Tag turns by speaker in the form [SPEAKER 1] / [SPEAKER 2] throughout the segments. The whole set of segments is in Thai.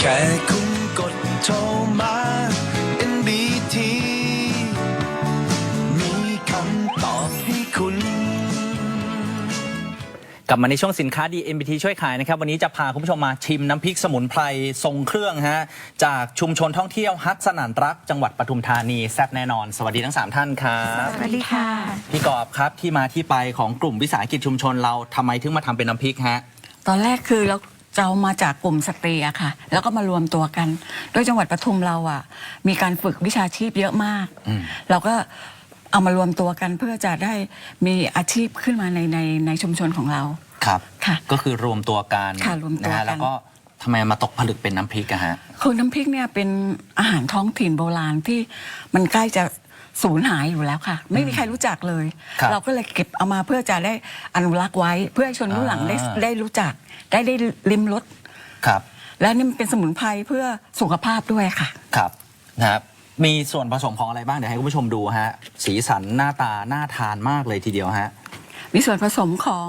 [SPEAKER 1] แค่คุณกดโทรมา NBT มีคำตอบให้คุณ
[SPEAKER 2] กลับมาในช่วงสินค้าดี NBT ช่วยขายนะครับวันนี้จะพาคุณผู้ชมมาชิมน้ำพริกสมุนไพรทรงเครื่องฮะจากชุมชนท่องเที่ยวฮักสนั่นรักจังหวัดปทุมธานีแซ่บแน่นอนสวัสดีทั้ง3ท่านครับ
[SPEAKER 3] สวัสดีค่ะ
[SPEAKER 2] พี่กอบครับที่มาที่ไปของกลุ่มวิสาหกิจชุมชนเราทำไมถึงมาทำเป็นน้ำพริกฮะ
[SPEAKER 3] ตอนแรกคือเราจะเอามาจากกลุ่มสตรีอะค่ะ แล้วก็มารวมตัวกัน โดยจังหวัดปทุมเราอะมีการฝึกวิชาชีพเยอะมาก เราก็เอามารวมตัวกันเพื่อจะได้มีอาชีพขึ้นมาในชุมชนของเรา
[SPEAKER 2] ครับ
[SPEAKER 3] ค่ะ
[SPEAKER 2] ก็คือรวมตัวกัน
[SPEAKER 3] ค่ะรวมตัวกัน
[SPEAKER 2] นะฮะแล้วก็ทำไมมาตกผลึกเป็นน้ำพริกอะฮะ
[SPEAKER 3] คือน้ำพริกเนี่ยเป็นอาหารท้องถิ่นโบราณที่มันใกล้จะสูญหายอยู่แล้วค่ะ ไม่มีใครรู้จักเลย
[SPEAKER 2] ครับ
[SPEAKER 3] เราก็เลยเก็บเอามาเพื่อจะได้อนุรักษ์ไว้ เพื่อให้ชนรุ่นหลังได้รู้จักได้ลิ้มรส
[SPEAKER 2] ครับ
[SPEAKER 3] และนี่มันเป็นสมุนไพรเพื่อสุขภาพด้วยค่ะ
[SPEAKER 2] ครับนะครับมีส่วนผสมของอะไรบ้างเดี๋ยวให้คุณผู้ชมดูฮะสีสันหน้าตาน่าทานมากเลยทีเดียวฮะ
[SPEAKER 3] มีส่วนผสมของ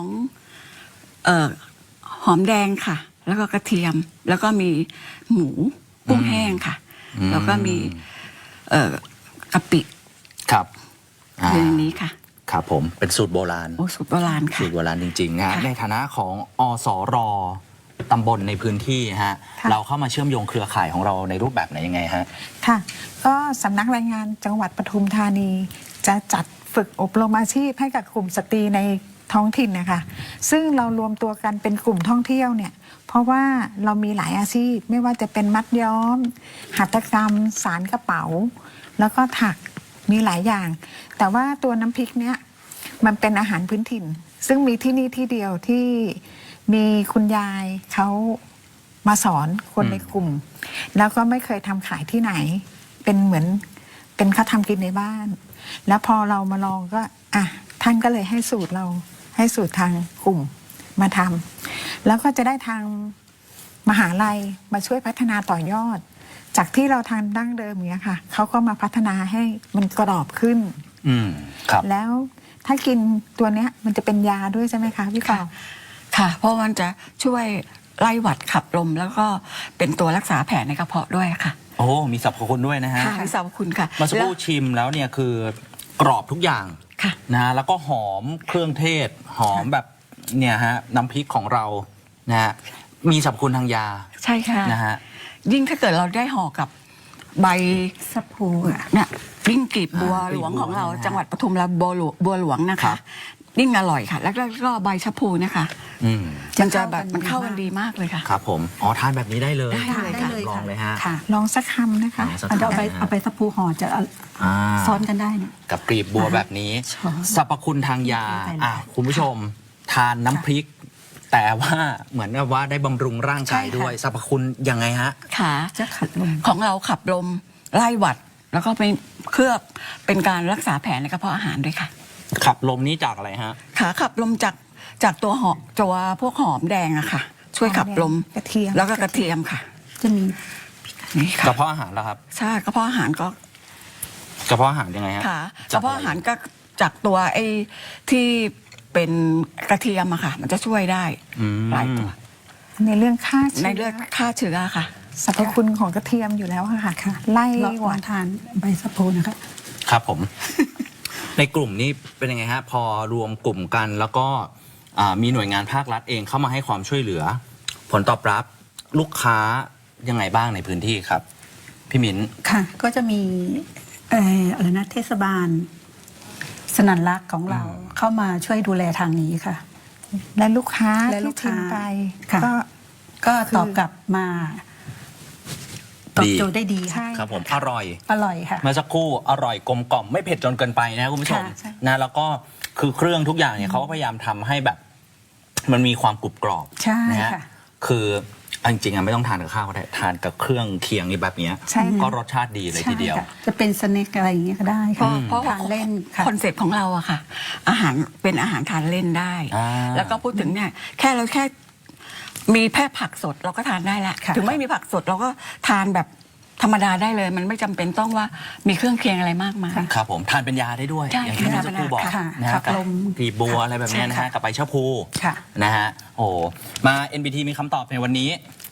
[SPEAKER 3] หอมแดงค่ะ แล้วก็กระเทียม แล้วก็มีหมูกุ้งแห้งค่ะ แล้วก็มีกะปิ
[SPEAKER 2] ครับ
[SPEAKER 3] อยู่ในนี้ค่ะ
[SPEAKER 2] ครับผมเป็นสูตรโบราณ
[SPEAKER 3] โอ้สูตรโบราณค่ะ
[SPEAKER 2] สูตรโบราณจริงๆนะฮะ
[SPEAKER 3] ค่ะ
[SPEAKER 2] ในฐานะของอสรตำบลในพื้นที่ฮะ
[SPEAKER 4] ค่ะ
[SPEAKER 2] เราเข้ามาเชื่อมโยงเครือข่ายของเราในรูปแบบไหนยังไงฮะ
[SPEAKER 4] ค่ะ ก็สำนักแรงงานจังหวัดปทุมธานี จะจัดฝึกอบรมอาชีพให้กับกลุ่มสตรีในท้องถิ่นนะคะ ซึ่งเรารวมตัวกันเป็นกลุ่มท่องเที่ยวเนี่ย เพราะว่าเรามีหลายอาชีพไม่ว่าจะเป็นมัดย้อม หัตถกรรม สารกระเป๋า แล้วก็ถักมีหลายอย่าง แต่ว่าตัวน้ำพริกเนี่ยมันเป็นอาหารพื้นถิ่น ซึ่งมีที่นี่ที่เดียวที่มีคุณยายเขามาสอนคนในกลุ่ม แล้วก็ไม่เคยทำขายที่ไหน เป็นเหมือนเป็นเขาทำกินในบ้าน แล้วพอเรามาลองก็ท่านก็เลยให้สูตรเราให้สูตรทางกลุ่มมาทำแล้วก็จะได้ทางมหาลัยมาช่วยพัฒนาต่อยอด จากที่เราทานดั้งเดิมเนี้ยค่ะเขาก็มาพัฒนาให้มันกรอบขึ้น
[SPEAKER 2] ครับ
[SPEAKER 4] แล้วถ้ากินตัวเนี้ยมันจะเป็นยาด้วยใช่ไหมคะพี่กอบ
[SPEAKER 3] ค่ะ เพราะมันจะช่วยไล่หวัดขับลม แล้วก็เป็นตัวรักษาแผลในกระเพาะด้วยค่ะ
[SPEAKER 2] โอ้มีสรรพคุณด้วยนะฮะ
[SPEAKER 3] ค่ะมีสรรพคุณค่ะ
[SPEAKER 2] เมาสักครู่ชิมแล้วเนี่ยคือกรอบทุกอย่าง
[SPEAKER 3] ค่ะ
[SPEAKER 2] นะฮะแล้วก็หอมเครื่องเทศ หอมแบบเนี่ยฮะน้ำพริกของเรานะฮะมีสรรพคุณทางยา
[SPEAKER 3] ใช่ค่ะ
[SPEAKER 2] นะฮะ
[SPEAKER 3] ยิ่งถ้าเกิดเราได้ห่อกับใบสะพูเนี่ยยิ่งกลีบบัวหลวงของเรา
[SPEAKER 2] นะฮะ
[SPEAKER 3] จังหวัดปทุมเราบัวหลวงนะ
[SPEAKER 2] ครั
[SPEAKER 3] คะ
[SPEAKER 2] บ
[SPEAKER 3] ยิ่งอร่อยค่ะ แล้วก็ใบชะพูเนี่ยค่ะ
[SPEAKER 2] อืม
[SPEAKER 3] มันจะแบบมันเข้ากันดีมากเลยค่ะ
[SPEAKER 2] ครับผมอ๋อทานแบบนี้ได้เลย
[SPEAKER 3] ได้เลยค่ะ
[SPEAKER 2] ลองเลยฮะ
[SPEAKER 3] ค่ะ
[SPEAKER 4] ลองสักคำนะคะ
[SPEAKER 2] ลองสัก
[SPEAKER 5] เอา
[SPEAKER 2] คำ
[SPEAKER 5] ไป
[SPEAKER 2] นะฮะ
[SPEAKER 5] เอาไปสักภูห่อจะ
[SPEAKER 2] อ่า
[SPEAKER 5] ซ้อนกันได้เนี่ย
[SPEAKER 2] กับกลีบบัวแบบนี้
[SPEAKER 5] ช้อน
[SPEAKER 2] สรรพคุณทางยา
[SPEAKER 5] ใช่เลย
[SPEAKER 2] คุณผู้ชมทานน้ำพริก แต่ว่าเหมือนกับว่าได้บำรุงร่างกายด้วยสรรพคุณยังไงฮะ
[SPEAKER 3] ค่ะ
[SPEAKER 5] จะขัดลม
[SPEAKER 3] ของเราขับลมไล่หวัด แล้วก็ไปเคลือบเป็นการรักษาแผลในกระเพาะอาหารด้วยค่ะ
[SPEAKER 2] ขับลมนี้จากอะไรฮะ
[SPEAKER 3] ขาขับลมจากตัวพวกหอมแดงอะค่ะ ช่วยขับลม
[SPEAKER 4] กระเทียม
[SPEAKER 3] แล้วก็กระเทียมค่ะ
[SPEAKER 5] จะมี
[SPEAKER 3] นี่
[SPEAKER 2] ก
[SPEAKER 3] ค่ะ
[SPEAKER 2] ระเพาะอาหารแล้วครับ
[SPEAKER 3] ใช่กระเพาะอาหารก็
[SPEAKER 2] กระเพาะอาหารยังไงฮะ
[SPEAKER 3] ค่ะก
[SPEAKER 2] จ
[SPEAKER 3] ระเพาะอาหารก็จากตัวไอ้ที่เป็นกระเทียมอะค่ะ มันจะช่วยได้
[SPEAKER 2] อืม
[SPEAKER 3] หลายตัว
[SPEAKER 4] ในเรื่องฆ่าเชื้
[SPEAKER 3] ในเลือดฆ่าเชื้อค่ะ
[SPEAKER 4] สรรพคุณของกระเทียมอยู่แล้วค่ะ ไล่
[SPEAKER 5] ลอง
[SPEAKER 4] หวัด
[SPEAKER 5] ทานใบสะพูนะคะ
[SPEAKER 2] ครับผม ในกลุ่มนี้เป็นยังไงฮะ พอรวมกลุ่มกันแล้วก็มีหน่วยงานภาครัฐเองเข้ามาให้ความช่วยเหลือ ผลตอบรับลูกค้ายังไงบ้างในพื้นที่ครับ พี่มิ้น
[SPEAKER 5] ค่ะ ก็จะมีอะไรนะเทศบาล สนันรักของเราเข้ามาช่วยดูแลทางนี้ค่ะ
[SPEAKER 4] และลูกค้า
[SPEAKER 5] และลู
[SPEAKER 4] ที่
[SPEAKER 5] ก
[SPEAKER 4] ชิ
[SPEAKER 5] ค้าม
[SPEAKER 4] ไป
[SPEAKER 5] ค่ะ
[SPEAKER 4] ก็
[SPEAKER 5] ก็
[SPEAKER 4] คือ
[SPEAKER 5] ตอบกลับมาตอบ
[SPEAKER 2] ดี
[SPEAKER 5] โจทย์ได้ดี
[SPEAKER 4] ใช่
[SPEAKER 5] ค่ะ
[SPEAKER 2] ครับผมอร่อย
[SPEAKER 5] อร่อยค่ะ
[SPEAKER 2] เมื่อสักครู่อร่อยกลมกล่อมไม่เผ็ดจนเกินไปนะคุณผู้ชม
[SPEAKER 5] ค่ะใช่
[SPEAKER 2] นะแล้วก็คือเครื่องทุกอย่างเนี่ยเขาก็พยายามทำให้แบบ มันมีความกรุบกรอบ
[SPEAKER 5] ใช่
[SPEAKER 2] นะฮะ
[SPEAKER 5] ค่ะ
[SPEAKER 2] คือเอาจริงๆไม่ต้องทานกับข้าวก็ได้ทานกับเครื่องเคียงนี่แบบเนี้ย
[SPEAKER 4] ใช่ค่ะ
[SPEAKER 2] ก็รสชาติดีเลยทีเดียว
[SPEAKER 5] ใช่ค่ะจะเป็นสเน็คอะไรอย่างเงี้ยก็ได้
[SPEAKER 3] เพ
[SPEAKER 5] ค่ะ
[SPEAKER 3] ราะว่า
[SPEAKER 5] ทานเล่นค่ะ
[SPEAKER 3] คอนเซ็ปต์ของเราอะค่ะ อาหารเป็นอาหารทานเล่นได้
[SPEAKER 2] อ่า
[SPEAKER 3] แล้วก็พูดถึงเนี่ยแค่มีแค่ผักสดเราก็ทานได้แล้ว
[SPEAKER 5] ค่ะ
[SPEAKER 3] ถึงไม่มีผักสดเราก็ทานแบบธรรมดาได้เลย มันไม่จำเป็นต้องว่ามีเครื่องเคียงอะไรมากมาย
[SPEAKER 2] ครับผมทานเป็นยาได้ด้วย
[SPEAKER 3] ใช่
[SPEAKER 2] อย่างที่เมื่อสักครู่บอก
[SPEAKER 5] ค่ะ
[SPEAKER 2] นะ
[SPEAKER 5] ขั
[SPEAKER 2] ฮะ
[SPEAKER 5] บ
[SPEAKER 2] กับ
[SPEAKER 5] ลม
[SPEAKER 2] กลีบบัวอะไรแบบเนี้ยนะ
[SPEAKER 5] ใช่
[SPEAKER 2] ฮะ
[SPEAKER 5] ค่ะ
[SPEAKER 2] กับใบชะพู
[SPEAKER 5] ค่ะ
[SPEAKER 2] นะฮะโอ้มา NBT มีคำตอบในวันนี้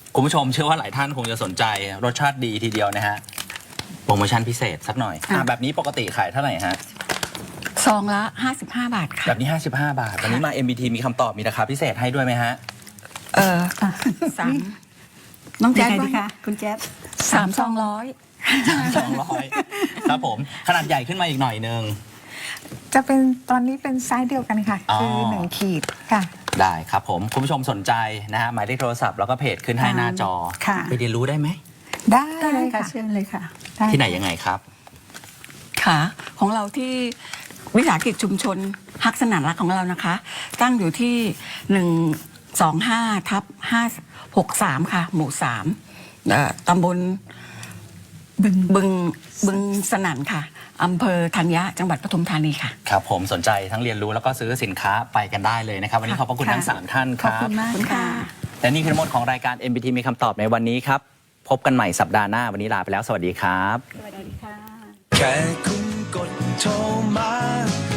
[SPEAKER 2] คุณผู้ชมเชื่อว่าหลายท่านคงจะสนใจรสชาติดีทีเดียวนะฮะโปรโมชั่นพิเศษสักหน่อยแบบนี้ปกติขายเท่าไหร่ฮะ
[SPEAKER 3] ซองละ 55 บาทค่ะ
[SPEAKER 2] แบบนี้ 55 บาทวันนี้มา MBT มีคำตอบมีราคาพิเศษให้ด้วยไหมฮะ
[SPEAKER 3] สามน้อง
[SPEAKER 5] ยั
[SPEAKER 3] แจ๊
[SPEAKER 5] ง
[SPEAKER 3] ค
[SPEAKER 5] ไงดี
[SPEAKER 3] ว่า
[SPEAKER 5] คะคุณแจ๊ด
[SPEAKER 3] 3 ซองร้อย
[SPEAKER 2] 200ครับผมขนาดใหญ่ขึ้นมาอีกหน่อยนึง
[SPEAKER 4] จะเป็นตอนนี้เป็นไซส์เดียวกันค่ะ คือ1 ขีดค่ะ
[SPEAKER 2] ได้ครับผมคุณผู้ชมสนใจนะฮะหมายเลขโทรศัพท์แล้วก็เพจขึ้นให้หน้าจอ
[SPEAKER 5] ค่ะ
[SPEAKER 2] ไปเรียนรู้ได้ไหม
[SPEAKER 4] ได้
[SPEAKER 5] ได้
[SPEAKER 4] เลย
[SPEAKER 5] ค่ะ
[SPEAKER 4] ค่ะ
[SPEAKER 5] เชิญเลยค่ะ
[SPEAKER 4] ด้
[SPEAKER 2] ที่ไหนยังไงครับ
[SPEAKER 3] ค่ะ ของเราที่วิสาหกิจชุมชนฮักสนานรักของเรานะคะ ตั้งอยู่ที่125/563 ค่ะ หมู่ 3ตำบลบึงสนั่นค่ะอำเภอธัญญะจังหวัดปทุมธานีค่ะ
[SPEAKER 2] ครับผมสนใจทั้งเรียนรู้แล้วก็ซื้อสินค้าไปกันได้เลยนะครับ วันนี้ขอบพระคุณทั้ง 3 ท่านค
[SPEAKER 5] ขอบ
[SPEAKER 2] รั
[SPEAKER 5] คุ
[SPEAKER 2] บ
[SPEAKER 5] ณมากค่ะ
[SPEAKER 2] และนี่คือทั้งหมดของรายการ MBT มีคำตอบในวันนี้ครับ พบกันใหม่สัปดาห์หน้าวันนี้ลาไปแล้วสวัสดีครับ
[SPEAKER 1] แค่คุณกดโทรมา